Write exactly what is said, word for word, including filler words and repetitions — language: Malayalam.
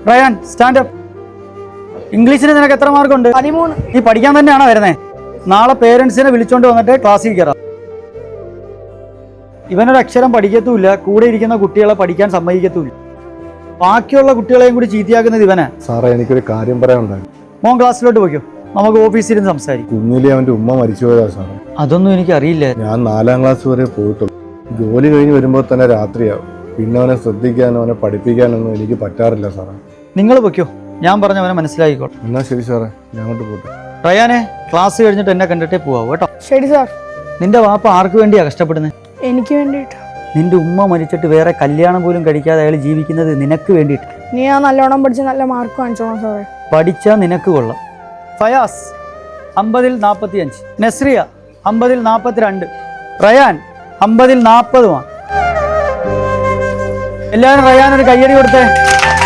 Ryan stand up. ഇംഗ്ലീഷിന് നിനക്ക് എത്ര മാർക്കുണ്ട്? പതിമൂന്ന്. നീ പഠിക്കാൻ തന്നെയാണോ വരുന്നേ? നാളെ പേരൻസിനെ വിളിച്ചോണ്ട് വന്നിട്ട് ക്ലാസ്സിൽ കയറാം. ഇവനൊരു അക്ഷരം പഠിക്കത്തുമില്ല, കൂടെ ഇരിക്കുന്ന കുട്ടികളെ പഠിക്കാൻ സമ്മതിക്കത്തുമില്ല. ബാക്കിയുള്ള കുട്ടികളെയും കൂടി ചീത്തയാക്കുന്നത് ഇവനാ. സാറേ, എനിക്കൊരു കാര്യം പറയാനുണ്ടായിരുന്നു. മോൻ ക്ലാസ്സിലോട്ട് പോയിക്കോ, നമുക്ക് ഓഫീസിൽ ഇരുന്ന് സംസാരിക്കും. കുഞ്ഞിലെ അവന്റെ ഉമ്മ മരിച്ചുപോയതാ സാറേ. അതൊന്നും എനിക്ക് അറിയില്ല. ഞാൻ നാലാം ക്ലാസ് വരെ പോയിട്ടുള്ളൂ. ജോലി കഴിഞ്ഞ് വരുമ്പോൾ തന്നെ രാത്രിയാവും. പിന്നെ അവനെ ശ്രദ്ധിക്കാനോ അവനെ പഠിപ്പിക്കാനൊന്നും എനിക്ക് പറ്റാറില്ല സാറേ. നിങ്ങൾ പൊയ്ക്കോ, ഞാൻ പറഞ്ഞവനെ മനസ്സിലാക്കിക്കോട്ടെ. എന്നാ ശരി സാറേ, ഞാൻ അങ്ങോട്ട് പോട്ടെ. റയാനെ, ക്ലാസ് കഴിഞ്ഞിട്ട് എന്നെ കണ്ടിട്ടേ പോവാം കേട്ടോ. ശരി സാർ. നിന്റെ വാപ്പ ആർക്ക് വേണ്ടിയാ കഷ്ടപ്പെടുന്നത്? എനിക്ക് വേണ്ടിയിട്ട്. നിന്റെ ഉമ്മ മരിച്ചിട്ട് വേറെ കല്യാണം പോലും കഴിക്കാതെ അയാൾ ജീവിക്കുന്നത് നിനക്ക് വേണ്ടിയിട്ട്. നീ ആ നല്ലോണം പഠിച്ച് നല്ല മാർക്ക് വാങ്ങിച്ചോളാം സാറേ. പഠിച്ചാൽ നിനക്ക് കൊള്ളാം. ഫയാസ് അമ്പതിൽ നാൽപ്പത്തി അഞ്ച്, നസ്രിയ അമ്പതിൽ നാൽപ്പത്തിരണ്ട്, റയാൻ അമ്പതിൽ നാൽപ്പതുമാണ്. എല്ലാവരും റയാൻ ഒരു കയ്യടി കൊടുത്തേ.